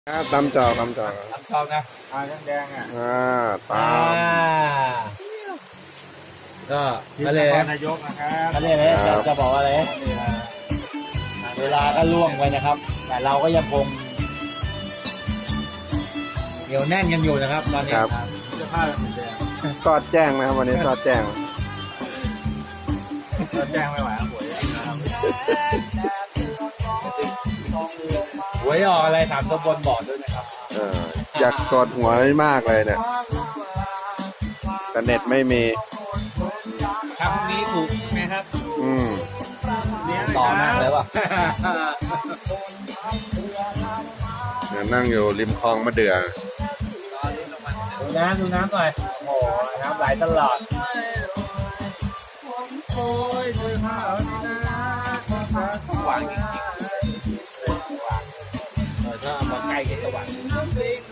ตำจอกตำจอกน้ำชอบนะแดงอ่ะตามก็ทะเลนายกนะครับทะเลเลยจะบอกอะไรเวลาก็ล่วงไปนะครับ แต่เราก็ยังคงเหนียวแน่นกันอยู่นะครับตอนนี้เสื้อผ้าเหมือนเดิมซอดแจ้งนะครับวันนี้ซอดแจ้งแจ้งไม่ไหวหวยออกอะไรถามตัวบนบอกด้วยนะครับอยากกดหัวมากเลยเนี่ยแต่เน็ตไม่มีครับพรุ่งนี้ถูกไหมครับต่อมากเลยว่ะนั่งอยู่ริมคลองมะเดื่อดูน้ำหน่อยโอ้โหน้ำไหลตลอดสว่างจริงๆถ้ามาใกล้ก็สว่าง